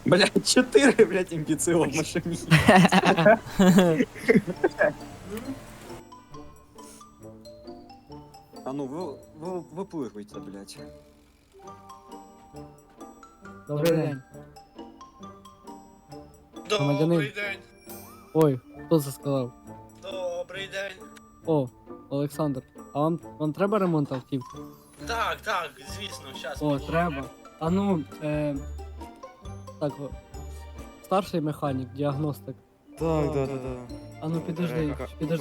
Блядь, 4, блядь, имбецила в машине. А ну, выплывайте, блядь. Добрий день. Добрий день. Ой, хто це сказав? Добрий день. О, Олександр. А вам треба ремонт автівки? Так, звісно, щас. О, треба. А ну, так, старший механік, діагностик. Так. А ну підожди.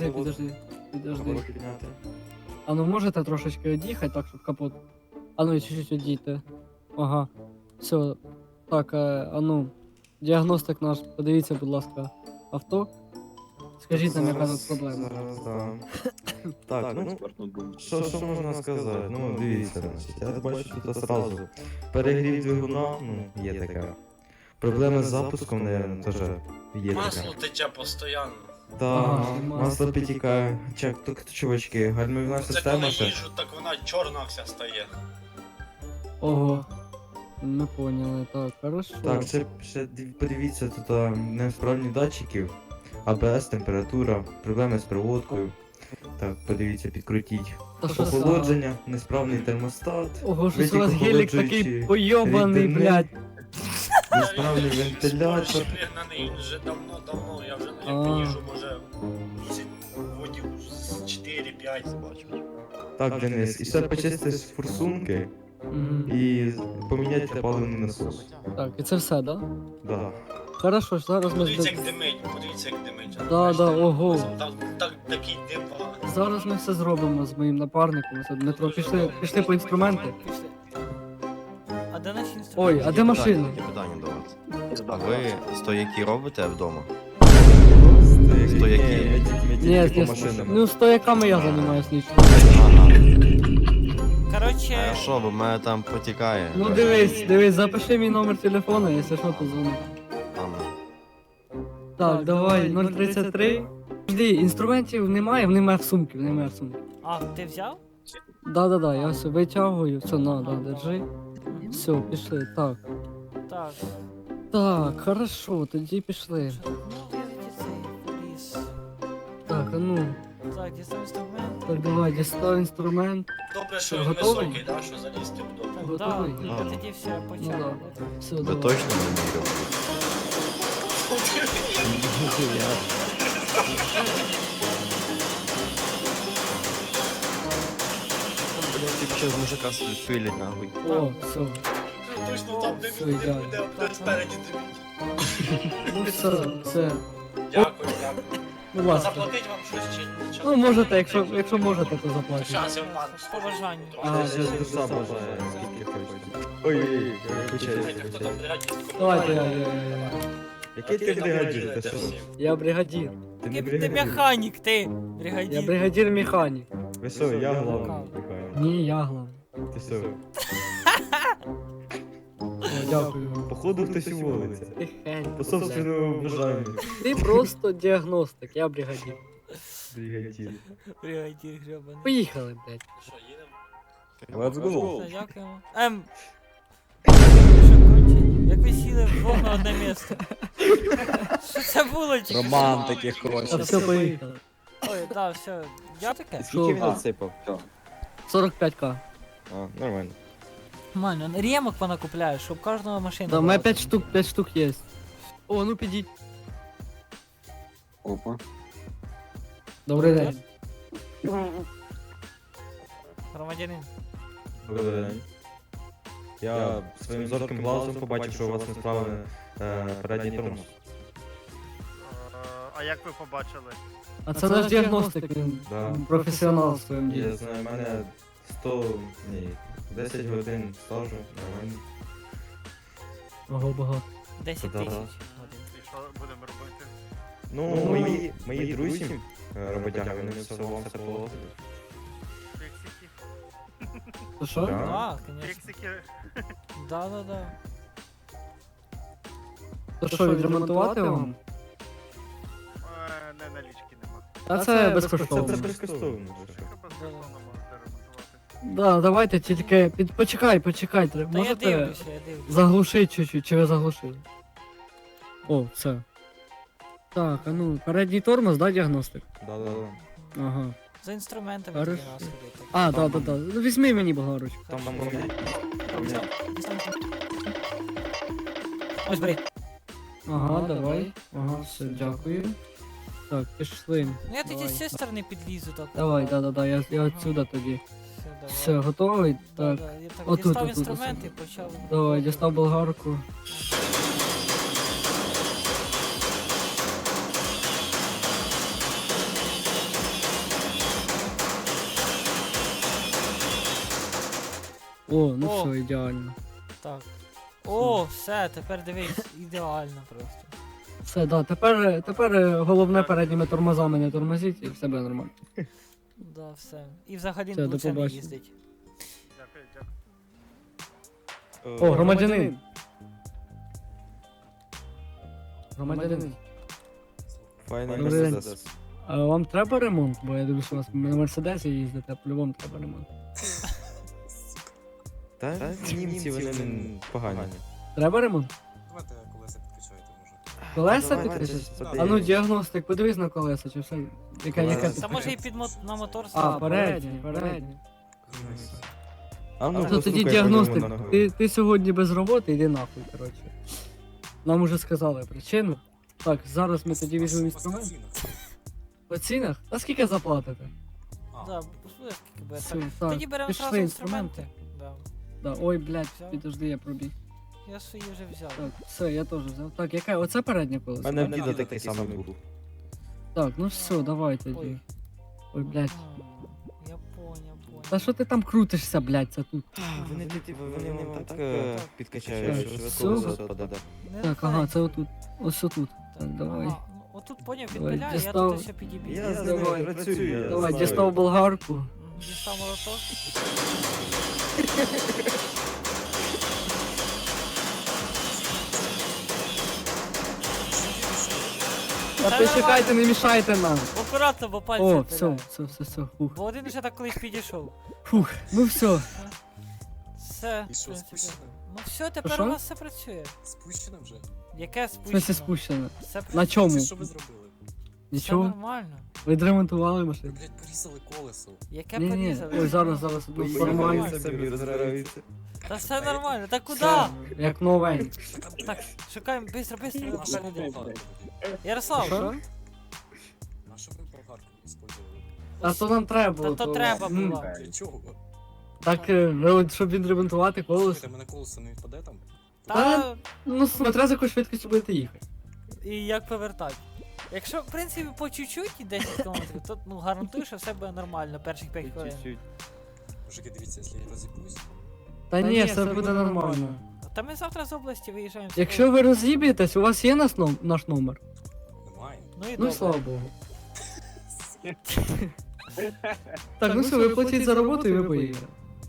А ну можете трошечки від'їхати, так, щоб капот. А ну і чуть-чуть відійти. Ага. Все. Так, а ну, діагностик наш, подивіться, будь ласка, авто. Скажіть нам, яка тут проблема. Зараз, да. Так, що можна сказати? Ну, дивіться, значить, я бачу тут одразу. Перегрів двигуна, ну, є таке. Проблеми з запуском, наверное, теж є Масло таке. тече постійно. Так, Ага, масло підтікає. Чувачки, гальмівна Це система коли ще. їжу, так вона чорна вся стає. Ого. Ми поняли, так, хорошо. Так, ще подивіться, тут несправні датчиків, АБС, температура, проблеми з проводкою. Так, подивіться, підкрутіть. Та що це? Охолодження, несправний термостат, Ого, щось у витік вас гелік охолоджуючий такий пойобаний, рідини, блядь. несправний Він вентилятор. пригнаний, він вже давно, я вже А. не їжу, може, місяць водів з 4-5 бачу. Так, Денис, і ще почистити форсунки Мгм. і поміняти паливний насос. Так, і це все, да? Да. Хорошо, зараз ми Подивіться, як димить, Да, Бачите? ого. Такий дим. Зараз ми все зробимо з моїм напарником. Це Дмитро, пішли по інструменти. А де наші інструменти? Ой, а де машина? Є питання до вас. А ви стояки робите вдома? Стояки. Ні, по ні, машинам. ну стояками я займаюсь лічно. Ага. А Коротше, що, бо в мене там потікає. Ну дивись, запиши мій номер телефону, якщо що, то дзвони. Ладно. Так, давай, 033. Жди, інструментів немає в сумці, немає в сумці. а ти взяв? Да, я все витягую, все, держи. Все, пішли, так. Так. Так, хорошо, тоді пішли. Ну, я цей ліс. Так, а ну, Так, дістав інструмент. так давай, дістав інструмент. Добре, що Ти він готовий? високий, да, що залізти вдома. Так, Готовий? да, Ага. тоді все, Ну почали. да. Все, Ви давай. точно не міряли? Блять, ти з мужика собі пилять нахуй. О, все. Точно там, де Все, він ідеально. буде спереді димить. Ну все. Дякую. Ну ласка. Заплатить вам щось чи нічого? Ну можете, якщо можете, то заплатите. Щас, я вам З побажанням. А, Ще душа бажає, скільки хочете. Ой, Знаєте, хто там бригадір? Давайте я. Який ти бригадір? Ти що? Я бригадір. Ти не Ти бригадір? механік, ти! Я Бригадір. бригадір механік. Ви що, я главний? Ні, я главний. Ти що? О, дякую. Походу хтось уволиться. Тихенько. По собственному бажанню. Ти просто діагностик, я бригадір. Бригадір. Бригадір гребаний. Поїхали, блядь. Що, їдемо? Let's go. Все, дякуємо. Що кончені? Як ви сіли вдвох на одне місце? Що це було? Чи Романтики А хоче. все, поїхали. Ой, так, все. Я таке? Скільки він Що? насипав? 45к. А, нормально. Нормально, ремок вона купляє, щоб кожного машина. Да, у була. мене 5 штук є. О, ну підіть. Опа. Добрий день. Громадянин. Добрий день. Я своїм зорким глазом побачив, що у вас несправлений передній тормоз. А як ви побачили? А це наш діагностик, він Да. професіонал в своєму Я ділі. знаю, в мене 10 годин стажу, нормально. Ого, багато. 10 Да. тисяч. І що будемо робити? Ну, мої друзі, роботяги, вони все вам все положили. Фіксики? То що? Да. Так, звісно. Фіксики? Да. То що, відремонтувати вам? Не налічки нема. А це Це безкоштовно. безкоштовно. Що безкоштовно можете ремонтувати? Да, давайте тільки почекай, Та я можете дивлюся. заглушити чуть-чуть, чи ви заглушили? О, все. Так, а ну, передній тормоз, да, діагностик? Да-да-да. Ага. За інструментами Хорошо. тоді нас ходити. А, да. Ну візьми мені болгарочку. Там Ось бери. Ага, давай. Ага, все, дякую. Так, пішли. Ну я тоді Давай. з цієї сторони підлізу так. Давай, да, я отсюда тоді. Все, давай. Все, готовий? Да, Так. да. Я так Отут, дістав отут, інструменти і почав. Давай, дістав болгарку. О, ну О. все, ідеально. Так. О, все, тепер дивись, ідеально просто. Все, да, тепер головне передніми тормозами не тормозіть і все буде нормально. Да, все. І взагалі Все, до лучше не побачення. їздить. Дякую, дякую. О, громадянин. Громадянин. Файний Добрий день. Мерседес. А вам треба ремонт? Бо я дивлюся, у вас на Мерседесі їздите, а по-любому треба ремонт. Та німці вони не погані. Треба ремонт? Давайте колеса підкачайте, може. Колеса Давайте підкричать? щось А ну подивимось. діагностик, подивись на колеса, чи все. Яка Колеса. Та може і на мотор ставити. передні. А ну, То тоді постукай по діагностик, ньому ногою. ти сьогодні без роботи, йди нахуй, коротше. Нам уже сказали причину. Так, зараз ми тоді візьмемо інструмент. По цінах? А скільки заплатите? Да, послухай, скільки буде. Все, Так. так, Тоді беремо пішли зразу інструменти. Да. Да, ой, блядь, Взяв? підожди, я пробіг. Я свої вже взяв. Так, все, я теж взяв. Так, яке? Оце переднє У колесо? мене в так? діда такий самий був. Так, ну все, давай тоді. Ой. Ой, блядь. Я поняв. Та що ти там крутишся, блядь, це тут? Вони вам так підкачають, Так, що ви все. колесо відпадете. Так, ага, це отут. Ось тут. Так, давай. Ага, ну, отут поняв, Давай, відпиляю, я дістав. тут ще підіб'ю. Я з Давай, ними працюю. я Давай, знаю. дістав болгарку. Дістав молоток. Та Та ти нормально. чекайте, не мішайте нам. Акуратно, бо пальці О, відпиляю. все, фух. Бо один вже так колись підійшов. Фух, ну все. Все, І в що, принципі. спущено? Ну все, тепер Що? у вас все працює. Спущено вже? Яке В смысле спущено? спущено? Все працює. На чому? Це що ви зробили? Все Нічого? нормально. Ви відремонтували Ви, машину? блядь, порізали колесо. Яке Ні, порізали? ой, зараз, ну, нормально. Нормально собі розграються. Та все нормально. Та куди? Все, як новенький. Так, шукаємо, быстро. На що ви болгарку? Ярослав, Що? На що ви болгарку использовали? А то нам треба було. та то треба Ну, було. Для чого? Так, щоб відремонтувати колесо. Слухайте, мене колесо не відпаде там? Та Ну, смотря за якою швидкістю будете їхати. і як повертати. Якщо, в принципі, по чуть-чуть і 10 км, то ну, гарантую, що все буде нормально перших 5 хвилин. Мужики, дивіться, якщо я розіб'юсь, Та ні, все буде нормально. Та ми завтра з області виїжджаємо. Якщо ви роз'їб'єтесь, у вас є наш номер? немає. Ну і Ну добре. і слава Богу. Так, ну все, ви платіть за роботу і ви поїдете.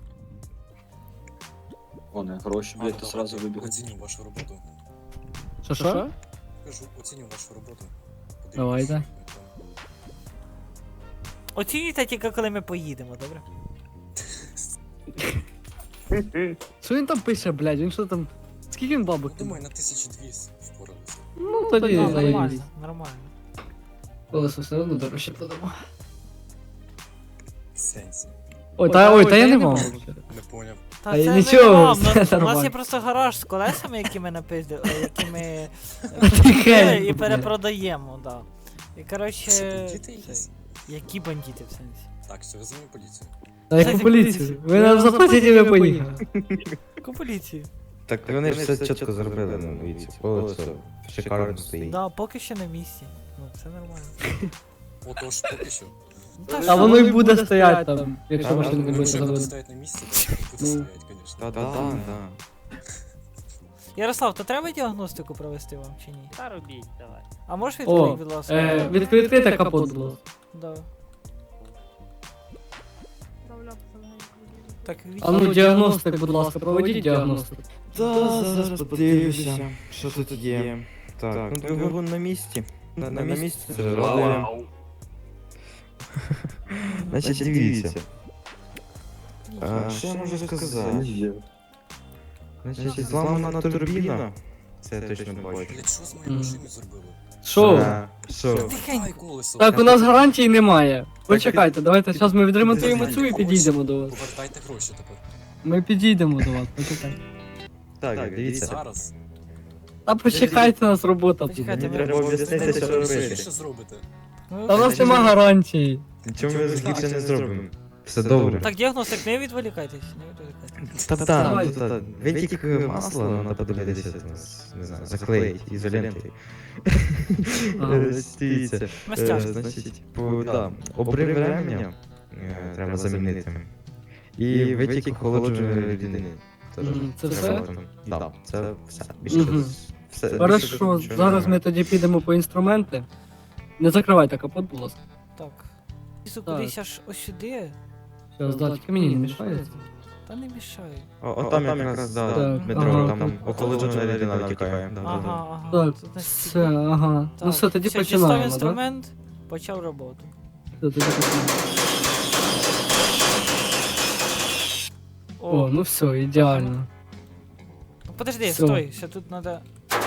Вони гроші, блядь, то сразу вибігають. Оціню вашу роботу. Що? Кажу, оціню вашу роботу. Подивлюсь, Давайте. як Оцінюйте тільки, коли ми поїдемо, добре? Що він там пише, блядь? Він що там. Скільки він бабок? Ну, думаю, на 1200 впоралися. Ну тоді Ну, заїдіть. нормально, нормально. Колесо все одно дорожче подамо. Сенсі. Ой, та я не мав. Не поняв. Та Та це й не нічого, вам, все у нас нормально. є просто гараж з колесами, які ми напиздили, які ми Тихенько, і блядь. перепродаємо, да. І Що, коротше. бандити якісь? Які бандити в сенсі? Так, все, визиваю поліцію. Та як у поліцію. Ви нам заплатите, і ви поїхали. Яку поліцію? Так вони ж все чітко зробили, ну дивіться, колесо шикарно стоїть. Да, поки що на місці. Ну, все нормально. Отож, поки що. Ну, та А що? воно й буде стояти там, якщо Та, машина не ну, буде Якщо буде заводити. стоять на місці, то буде Ну. стоять, звісно. Та-та-та. Ярослав, то треба діагностику провести вам чи ні? Та робіть, давай. А можеш О, відкрити, будь ласка? відкрити капот, будь ласка. Да. Так, А ну, діагностик, будь ласка, проведіть діагностику. Та, зараз подивлюся, що тут є. Так, ну двигун на місці. На місці це радує. Значить, дивіться. Що я можу сказати? Значить, зламана турбіна. Це я точно бачу. Блять, що з моєю машиною зробили? Що? Що? Ай, колесо. Так, у нас гарантій немає. Почекайте, давайте зараз ми відремонтуємо цю і підійдемо до вас. Повертайте гроші тепер. Ми підійдемо до вас, почекайте. Так, дивіться. Зараз. Та почекайте, у нас робота буде. Почекайте, Мені треба об'яснити, що Що робити. ви ще зробите? Ну, Та у нас нема гарантії. Чому ми гірше не зробимо? Все добре. Так, діагностик, не відволікайтесь, не відволікайтесь. Та Давай. ви тільки масло на подивитися, не знаю, заклеїть ізолентою. Ага. Дивіться. Мастяшки. Значить, обрив ременя треба замінити. І витік охолодженої рідини. Теж Це треба все? там. Так, це все. Мгм. Все. Хорошо, Більше зараз ми нічого тоді підемо по інструменти. Не закривайте капот, будь ласка. Так. Лізу Так. кудись аж ось сюди, Зараз, да, тільки мені не мішається. та не мішає. немає. Там якраз, да, Так, Дмитро, ага, там там. охолоджена рідина втікає. Да, да, да. Ага, ага. Так, Тут настільки- все, ага. Ну все, тоді дістав починаємо, так? інструмент, почав роботу. Все, тоді починаємо. О, ну все, ідеально. Ну, подожди, Всё. стой, ще тут надо.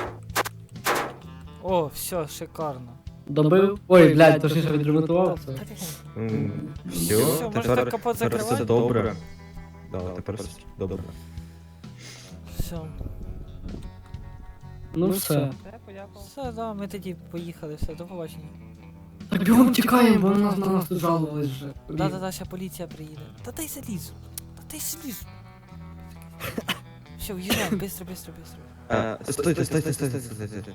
О, все, шикарно. Добив? Ой, блядь, то ж я відремонтував це. Все, Все, можете тепер капот все закривати. добре. Да, тепер все добре. Все. Ну все. Все, да, ми тоді поїхали, все, до побачення. Так бігом тікаємо, бо на нас тут жалувались вже. Да-да-да, ще поліція приїде. Та дай залізу. Та дай залізу. Все, уїжджаємо, быстро, быстро, быстро. Стойте.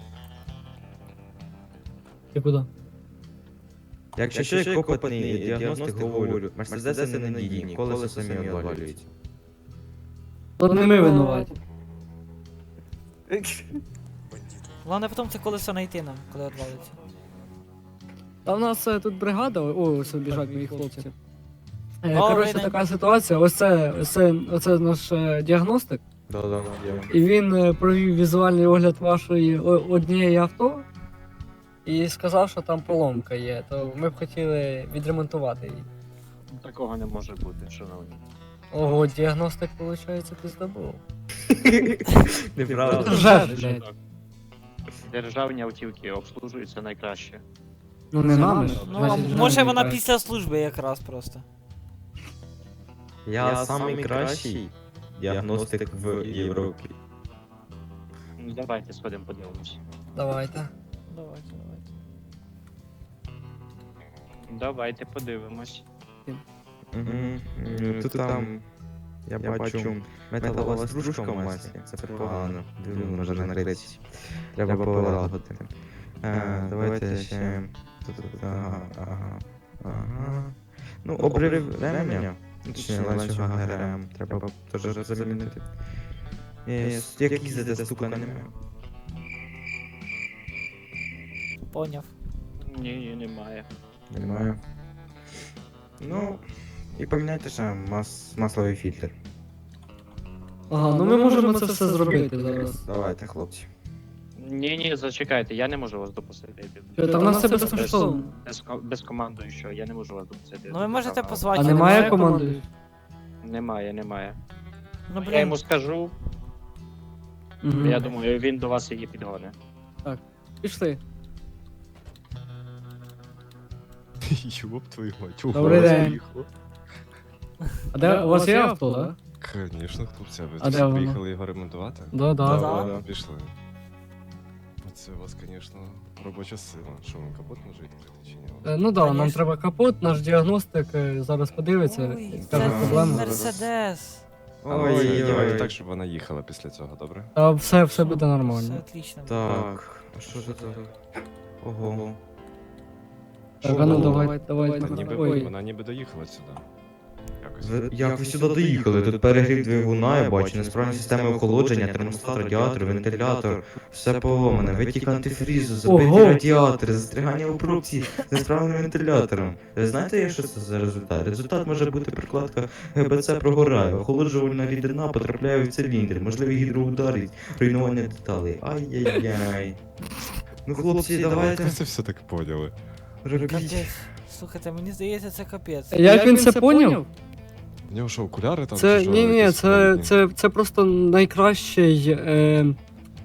Ти куди? Якщо ще як опитний діагностик говорю, мерседеси не надійні, колеса самі одвалюють. Тут не ми винуваті. Бандити. Головне потім це колесо знайти нам, коли відвалиться. Та в нас тут бригада, о, ось біжать мої хлопці. Добрий Коротше, день. така ситуація, оце наш діагностик, Да, і він провів візуальний огляд вашої однієї авто і сказав, що там поломка є, то ми б хотіли відремонтувати її. Такого не може бути, шановні. Ого, діагностик, виходить, ти здобув. Неправда. Ржеш, блядь. Державні автівки обслужуються найкраще. Ну не нами ж. Ну, а значить, може нам вона не після служби якраз просто. Я самий кращий діагностик в Європі. Ну давайте сходимо подивимось. Давайте. Давайте, давайте. Давайте подивимось. Тут там, я бачу, металова стружка в маслі. Це погано. Двигун може накритись. Треба полагодити. Давайте ще... Ага. Ну, обрив ременя. Точніше, ланцюга ГРМ. Треба теж замінити. Як їздити, стука немає. Поняв. Ні, немає. Немає. Ну, і поміняйте ще масловий фільтр. Ага, ну ми можемо це все зробити зараз. Давайте, хлопці. Ні, зачекайте, я не можу вас допустити. Та в нас це безкоштовно. Без командуючого, я не можу вас допустити. Ну ви можете позвати. А немає команди? Немає. Ну Я блін, йому скажу, я думаю, він до вас її підгоне. Пішли. Ёб твою мать, Добрий ура, день. заїхав. А де у вас є авто, так? Конечно, хлопці, ви А де тут воно? приїхали його ремонтувати? Да, да. Да. Пішли. Це у вас, конечно, робоча сила. Що, вам капот може відкрити чи ні? Ну да, нам Конечно. треба капот, наш діагностик зараз подивиться ой, і це скаже проблему. Мерседес. Ой-ой-ой. Так, щоб вона їхала після цього, добре? Та все буде Все нормально. отлично. Так, а що це так? Ого. Так, а ну давай. Вона ніби доїхала сюди. Якось. Як ви сюди доїхали? Тут перегрів двигуна, я бачу, несправні системи охолодження, термостат, радіатор, вентилятор, все поломане, витік антифрізу, забиті Ого! радіатори, застрягання у пробці з несправним вентилятором. Ви знаєте, що це за результат? Результат може бути прикладка ГБЦ прогорає, охолоджувальна рідина потрапляє в циліндр, можливі гідроудари, руйнування деталей. Ай-яй-яй. Ну, хлопці, давайте Ви це все так поняли. робіть. Капець. Слухайте, мені здається, це капець. Як він це поняв? У нього що, окуляри там? Це чи що, ні, якісь це складні? просто найкращий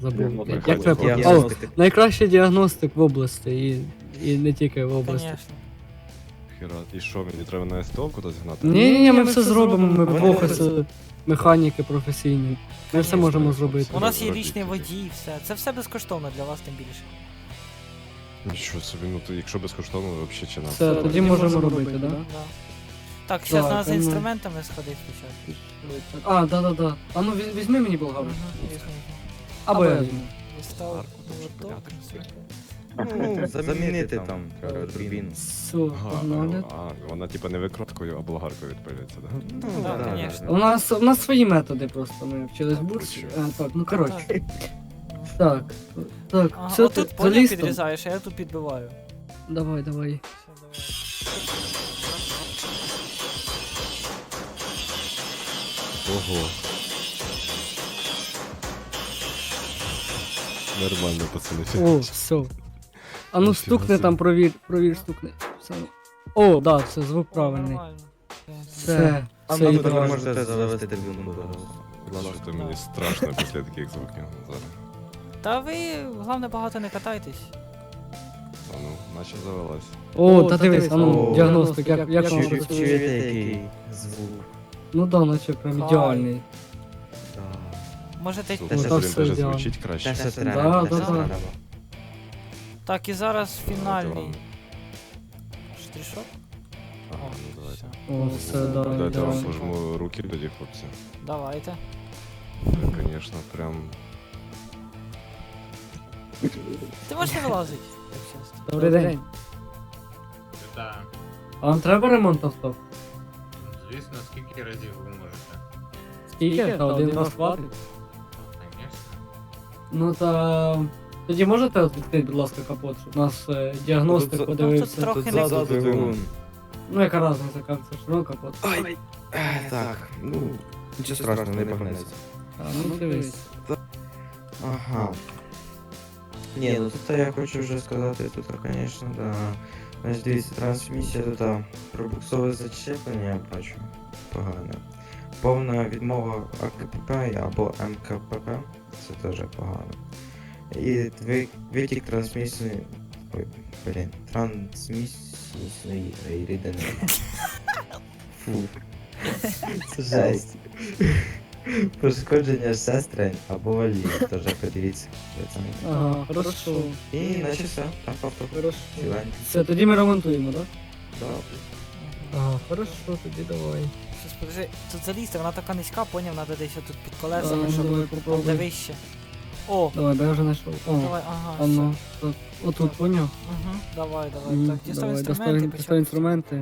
забув. Ну, Як приходь, це приходь. про- О, найкращий діагностик в області і не тільки в області. Конечно. Хера, і що, мені треба на СТО кудись гнати? Ні, ми все зробимо, ми Вони двох просто- ось механіки професійні. Ми все Конечно. можемо зробити. У нас є Робіть річний тільки. водій, все. Це все безкоштовно для вас, тим більше. Нічого собі, ну то якщо безкоштовно, то взагалі чи нас. Все, тоді можемо робити, так? Да? Да. Так, зараз Так, треба за ну. інструментами сходити спочатку. А, да. А ну візьми мені болгарку. Мгм. Або я візьму. Дістав Гарно, молоток. понятно. Ну, замінити там треба турбіну. Все, Ага, погнали. вона типа не викруткою, а болгаркою відпилюється, так? Ну, Да, да, конечно. да. У нас свої методи просто, ми вчились в бурсі. Так, ну коротше. Так, Ага, все, отут ти поняв заліз там? підрізаєш, а я тут підбиваю. Давай. Все, давай. Ого. Нормально, пацани. О, все. А ну Ніфіга стукни собі. там, провір, стукни. Все. О, да, все, звук правильний. Нормально. Все, А все ви ідеально. можете завести трибуну. Що то мені страшно після таких звуків зараз. Та ви, головне, багато не катайтесь. А ну, наче завелась. О, та дивись, а ну, О, діагностик, як вам Чуєте, працює? який звук? Ну да, наче прям Хай. ідеальний. Да. Можете. Слухай, та блін, все даже ідеально. звучить краще. Те, що Да, треба, те, да, що да. треба. Так, і зараз фінальний. Давайте Штришок? Ага, ну давайте. О, все, да, Дайте я вам ідеально. пожму руки тоді, хлопці. Давайте. Це, звісно, прям. Ти можеш не вилазити, як чесно. Добрий день. Так, А вам треба ремонт авто? звісно, скільки разів ви можете. Скільки? Та один раз хватить. Звісно. Ну та... Тоді можете от відкрити, будь ласка, капот, щоб нас діагностик Тут- подивився. трохи Тут не ззаду двигун. Ну яка різниця, як це ж, ну капот. Так, ну, нічого страшного, не погнеться. А, ну дивись. Ага. Ні, ну тут я хочу вже сказати, тут, звісно, да. Значить, дивіться, трансмісія тут пробуксове зачеплення, я бачу, погано. Повна відмова АКПП або МКПП, це теж погано. І витік трансмісії, ой, блін, трансмісійної рідини. Фу. Це жесть. Пошкодження сестрень або валів, теж подивіться. Ага, хорошо. І наче все, так, авто. Хорошо. Ціленько. Все, тоді ми ремонтуємо, так? Да. Ага, хорошо, тоді давай. Щас, подожди, тут залізти, вона така низька, поняв, треба десь тут під колесами, Давай, щоб давай, там попробуй. де вище. О, Давай, бо я вже знайшов. О, давай, ага, а все. ну, тут, отут, поняв? Угу, давай, Мгм, так, дістав давай, інструменти, достав інструменти.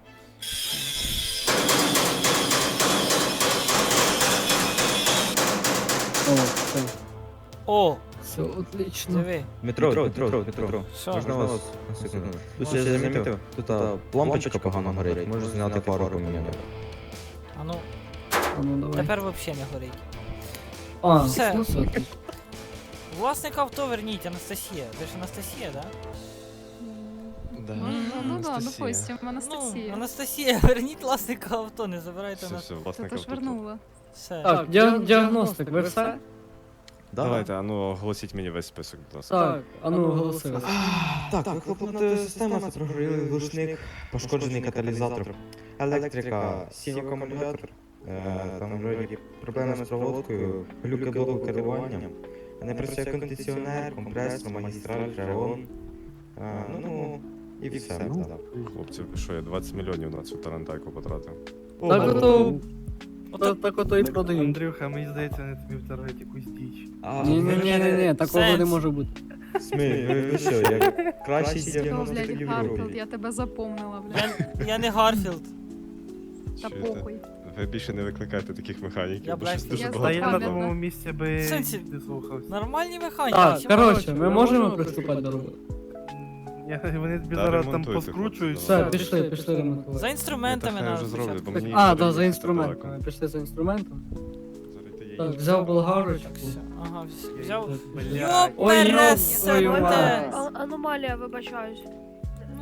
О, все, О, все, отлично. диви, Метро. що? Можна вас на секунду? Тут я замітив, тут лампочка погано горить, можу зняти пару поміняти. А ну, А ну давай. тепер взагалі не горить. А, Все. ну все. отлично. Власника авто верніть, Анастасія. Ви ж Анастасія, да? Да. Ну да, допустим, Ну, Анастасія. Анастасія, верніть власника авто, не забирайте Все, нас. все, Та власне то ж кажу. вернула. Все. Так, діагностик, ви все? Давайте, а ну оголосіть мені весь список, будь ласка. Так, а ну оголосили. Так, вихлопна система, це прогорілий глушник, пошкоджений каталізатор, електрика, синій акумулятор, там вроді проблеми з проводкою, глюки блоку керування, не працює кондиціонер, компресор, магістраль, фреон, ну і все. так. Хлопці, що я 20 мільйонів на цю тарантайку потратив. Так ото, так ото і продають. Андрюха, мені здається, вони тобі вторгують якусь діч. Ні, такого не Сенс. може бути. Ви що, як кращий Що, діагностик блядь, в Гарфілд, Європі. я тебе запомнила, блядь. Я не Гарфілд. Та Чуєте? похуй. Ви більше не викликайте таких механіків, Я бо щось бачу. дуже Я Та багато. я на Пам'ятна. тому місці би В сенсі? не слухався. Нормальні механіки. Так, чи коротше, ми можемо приступати до роботи? Вони тобі Да, зараз там ремонтуйте, поскручують. хлопці, Все, пішли ремонтувати. За інструментами Та хай на вже зроблять, спочатку. бо мені- А, їхати да, за далеко. інструментом. Пішли за інструментом. Зараз я Так, їду. взяв болгарочку. Так, все. Ага, взяв. Блядь. Ой, Йопересе! твою мать. Аномалія, вибачаюсь.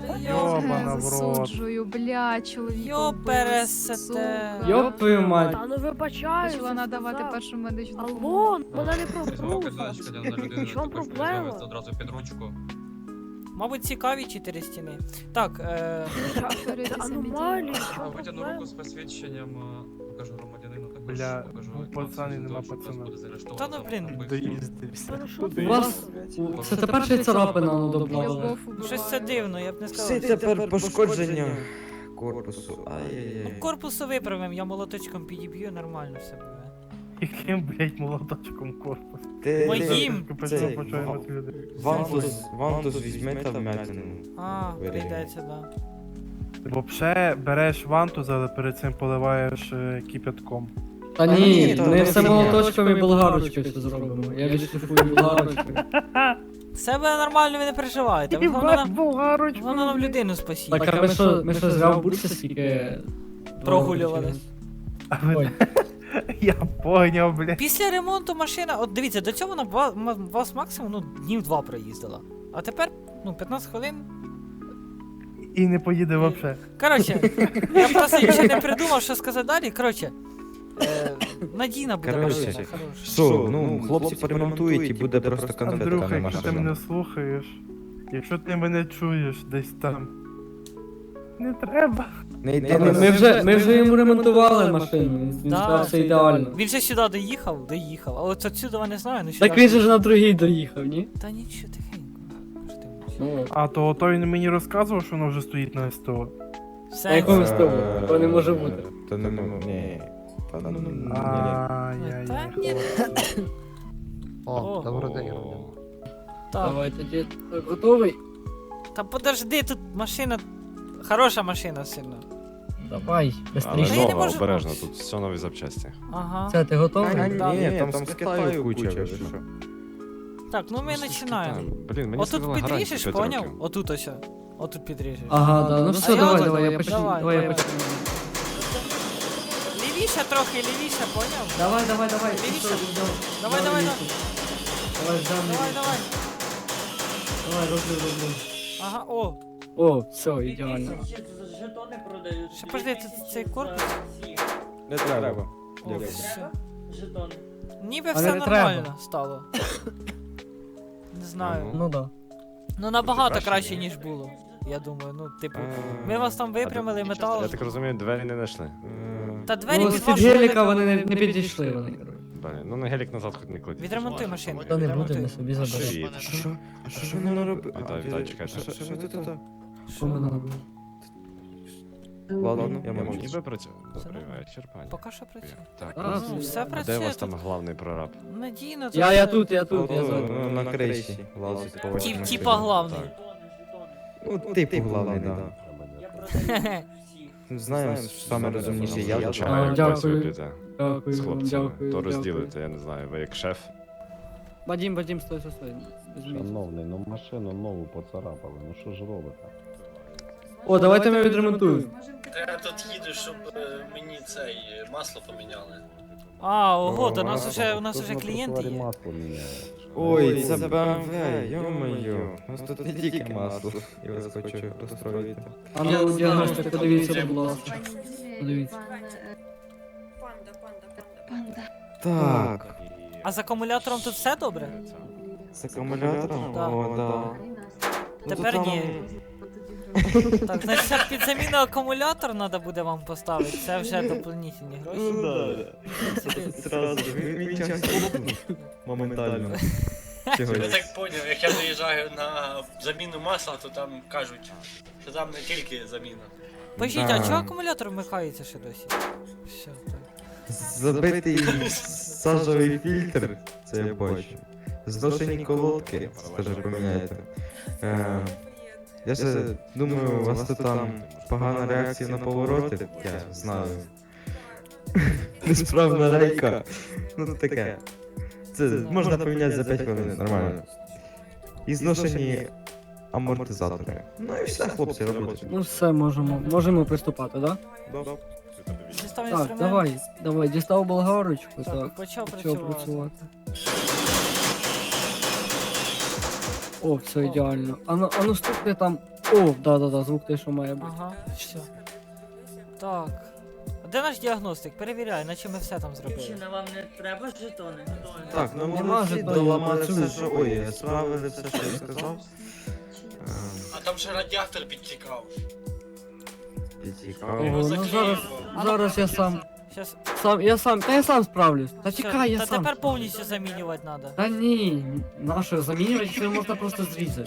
Йобана в рот. Засуджую, бля, чоловік. Йопересете. Йоп твою мать. Та ну вибачаю. Почала надавати першу медичну Алло, допомогу. вона не пробувала. В чому проблема? Одразу під ручку. Мабуть, цікаві 4 стіни. Так, Повторюйте Це самі дії. аномалії, в чому Витягну проблема? руку з посвідченням, покажу громадянину також. Бля, покажу ну, пацани, нема що вас пацана. буде заарештовано Та ну, за блін. вбивство. Доїздився. Та ну що У ти? вас це тепер ще й царапина ну, добавили. Любов убиває. щось це дивно, я б не Все сказав. тепер пошкодження корпусу. Ну, Ай-яй-яй. корпусу виправимо, я молоточком підіб'ю, нормально все буде. Яким, блядь, молоточком корпус? Моїм. Цей, Почуємо від людей. Вантус візьме та вмятину. А, Виріжемо. прийдеться, да. Вообще береш вантуз, але перед цим поливаєш кипятком. Та ні, ні, то ми це все фігня. молоточком і болгарочкою все зробимо. Я відшліфую болгарочкою. Все буде нормально, ви не переживайте. Головне нам людину спасіть. Так, а ми що зря в бурсі скільки... Прогулювались. А ви- Ой. Я поняв, блядь. Після ремонту машина, от дивіться, до цього вона вас максимум днів 2 проїздила. А тепер, 15 хвилин. І не поїде вообще. Коротше, я просто ще не придумав, що сказати далі. Коротше, надійна буде Коротше, машина, хороша. Що, ну, хлопці поремонтують і буде просто конфетка Андрюха, на якщо ти мене машину. слухаєш, якщо ти мене чуєш десь там, не треба. Не йди Ми на вже йому ремонтували машину, він Да. сказав, все ідеально. Він же сюди доїхав, а от отсюди я не знаю, ну сюди. Так він же ж на другий доїхав, ні? Та нічого, тихенько. Що ти мовчиш? Ну, А то він мені розказував, що воно вже стоїть на СТО. Все. на якому стову? Такого не може бути. Та не, ні. Та ну, ні. Та ні. Ай-яй-яй. О, добрий день, Так, Давай тоді. Так, готовий? та подожди, тут машина. Хороша машина сильно. Давай, Та быстріше. я не можу- обережно, тут все нові запчасті. Ага. Це, ти готовий? Да. Ні, там з Китаю куча, ви що? Так, ну ми починаємо. Блін, мені Отут сказали гарантію підріжеш, 5 поняв? років. Отут ось. Отут підріжеш. Ага, да, ну все, А я давай, от- давай, я почну. давай, Давай, я давай. почну. Лівіше трохи, лівіше, поняв? Давай, давай. Лівіше. Все, Давай, давай, давай. Давай, ждем. Давай, давай. Давай, роблю. Ага, о. О, все, ідеально. Ще подожди, тут цей корпус. Не треба. О, Дякую. все. Ніби Але все не нормально треба. стало. Не знаю. Ну да. Ну набагато краще, краще, ні? ніж було. Я думаю, ну, типу, Е, ми вас там випрямили, метал. Я так розумію, двері не знайшли. Та двері Ну, під з-під вашу геліка вони не підійшли, вони, коротше. Блін, ну на гелік назад хоч не кладіть. Відремонтуй машину. Та не відремонтуй. будемо собі забирати. Привіт. Що ви наробили? Вітаю, чекайте. Що ви тут? Що ми наробили? Ладно, я Я мовчу. ніби працюю. Все Добрий нормально. вечір, пані. Поки що працює. Так, А, Ну, все а де у працює вас тут. там главний прораб? Надійно. тут Я все. тут, я Ну, ззаду. на криші лазить по вашій машині. Типа главний. Ну, типу главний, да. Знаємо, саме розумніше я. А, дякую. Працюєте Дякую з вам, хлопцями. дякую. То дякую. розділите, я не знаю, ви як шеф. Вадим, стой. Візьміть. Шановний, ну машину нову поцарапали, ну що ж робите? О, давайте ми відремонтуємо. Я тут їду, щоб мені цей масло поміняли. А, ого, О, у нас Тут уже на клієнти тротуарі є. масло міняє. Ой, це BMW, йо-моє. У нас тут не тільки масло. Я вас хочу розстроїти. А ну, діагностик, подивіться, будь ласка. Подивіться. Так, А з акумулятором тут все добре? з акумулятором? Так. О, да. Ну, Тепер то там- ні. Так, значить ще під заміну акумулятор треба буде вам поставити. Це вже дополнительні гроші. Ну да. Це Зразу, він час лопнув. Моментально. Я Чогось. так поняв, як я заїжджаю на заміну масла, то там кажуть, що там не тільки заміна. Пишіть, Да. а чого акумулятор вмикається ще досі? Все, так. Забитий сажовий фільтр, це я бачу. Зношені колодки, скажи, поміняйте. Я ще думаю, у вас тут там погана реакція на повороти, я знаю. Несправна рейка. Ну таке. Це можна поміняти за 5 хвилин, нормально. І зношені амортизатори. Ну і все, хлопці, робіть. Ну все, можемо приступати, да? Дістав Так, інструмент. давай, дістав болгарочку, Так, так. почав Почав працювати. працювати. О, все ідеально. А ну стукни там О, да, звук той, що має бути. Ага, все. Так. А де наш діагностик? Перевіряй, наче ми все там зробили. Вам не треба жетони? Так, ну Нема молодці, жодної доламали все, працюючої. що... Ой, справили все, що я сказав. А там ще радіатор підтікав. Цікаво. Ого, ну зараз я сам. Щас. Я сам справлюсь. Та Все, чекай, я та сам. тепер повністю замінювати треба. Та ні, нащо замінювати, це можна просто зрізати.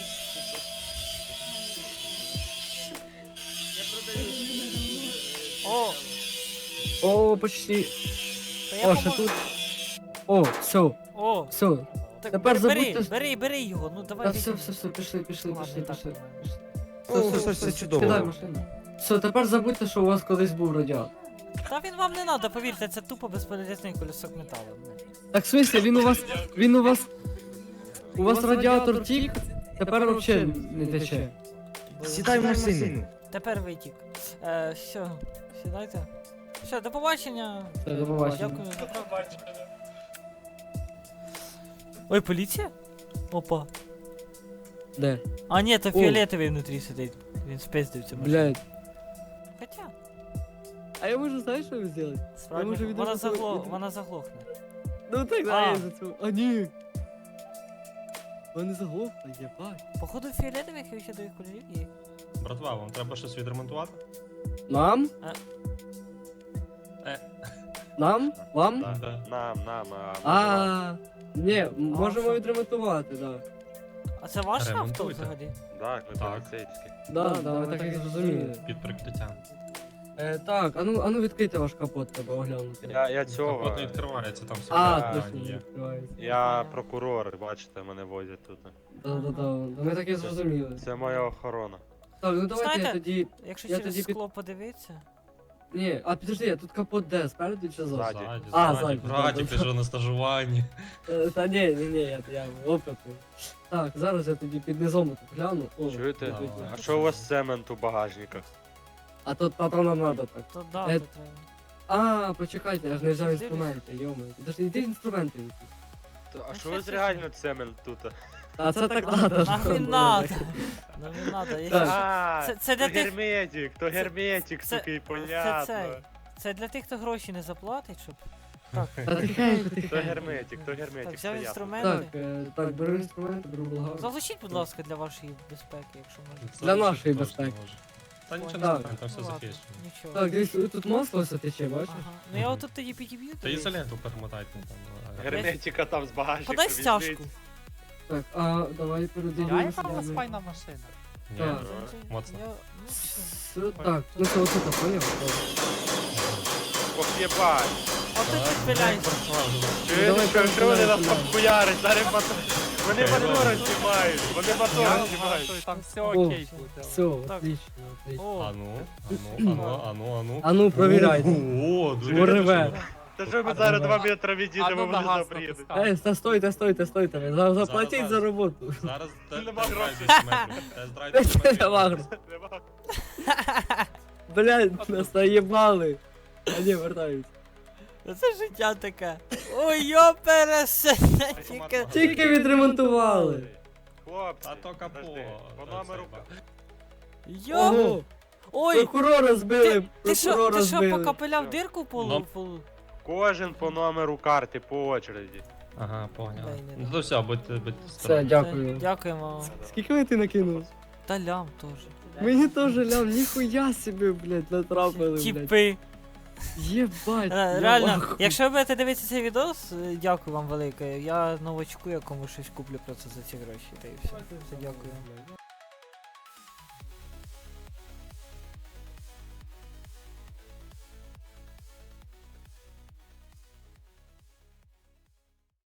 О, О, почти. та я О, ще поможу. тут. О, все, О, все. так Тепер бери, забудьте- бери його, ну давай. Та візьми. все, пішли. Ладно, так. Все чудово. Кидай машину. Все, тепер забудьте, що у вас колись був радіатор. Та він вам не треба, повірте, це тупо безполезний колесок металу. Так, в смысле, у вас радіатор тік, тепер взагалі не тече. Сідай в машину. Тепер витік. Все, сідайте. Все, до побачення. Все, до побачення. Дякую за правду. Ой, поліція? Опа. Де? А ні, то О. фіолетовий внутрі сидить. Він спиздив цю машину. Блядь. Хоча, А я можу, знаєш, що зробити? справді, можу вона, відразу- вона заглохне. Ну так, А. да, я за цю. А ні. Вони заглохли, єбать. Походу фіолетових і ще до їх кольорів є. Братва, вам треба щось відремонтувати? Нам? Е. Нам? Вам? Так. А, ні, можемо відремонтувати, да. А це ваше авто Ремонтуйте. взагалі? Так. Да, ми так і зрозуміли. Під прикриттям. Так, а ну відкрийте ваш капот, треба оглянути. Я цього. Капот не відкривається, там все. А, питання точно, є. відкривається. Я прокурор, бачите, мене возять тут. Да, ми так і зрозуміли. Це моя охорона. Так, ну давайте я Знаєте, тоді... Якщо Я через тоді під- скло подивитися. Ні, а підожди, а тут капот де, спереду чи ззаду? Ззаді. А, Ззаді. ззаді, Братик, да, ти ж на стажуванні. Та ні, я опитний. Так, зараз я тоді під низом тут гляну. О, Чуєте? Давай. А що у вас цемент у багажниках? а то нам надо так. То да, Е, то треба. А, почекайте, я ж не взяв інструменти, йоми. Подожди, йди інструменти. А що ви реально цемент тут? А це так надо. Нахрен надо. Ну не надо. Так. якщо- Це для тих. герметик, то герметик, це- такий, Це понятно. Це для тих, хто гроші не заплатить, щоб. Та тихенько, То тихенько. герметик, то Так, герметик, взяв стояти. інструменти. Так, беру інструменти, беру благо. Заглушіть, будь ласка, для вашої безпеки, якщо можна. Для нашої Точно безпеки. може. Та нічого не Так. стане, там все Ну, ладно, захищено. Нічого. Так, дивись, тут масло все тече, бачиш? Ага. Ну я отут тоді підіб'ю. Та тобі. ізоленту перемотайте там. Герметика там з багажника Подай візьміть. стяжку. Так, а давай передивимося. машина. Ні, Так. моцно. Все, так, ну це оце так, поняв? Ох, єбать. Ото підпиляйся. Чуєте, що вони нас там хуярять, зараз вони мотора знімають, вони мотора знімають. Там все О, все, Так. отлично, отлично. О, А ну. А ну, провіряйте. О, дуже Муреве. Та що ми зараз 2 метри відійдемо, вони заприїдуть. Та стойте, ви заплатіть Зараз. за роботу. Зараз Нема тест-драйв грошей. 10 метрів. Тест-драйв 10 метрів. Нема грошей. Блядь, нас наїбали. А ні, вертаюсь. це життя таке. Ой, йопересе. Тільки. Тільки відремонтували. Хлопці, А то капо. подожди, по номеру... Йоп. Ого, Ой, прокурора збили, ти що прокурора збили. покапеляв дирку в полу? Кожен по номеру карти, по очереді. Ага, поняв. Дай, не Ну то все, будьте Все, дякую. Дякуємо вам. Скільки ви ти накинув? Та лям теж. Мені теж лям, ніхуя собі, блядь, натрапили, блядь. Тіпи. Єбать. Реально, нахуй. якщо ви будете дивитися цей відос, дякую вам велике. Я новачку якому щось куплю просто за ці гроші. Та і все. Дякую.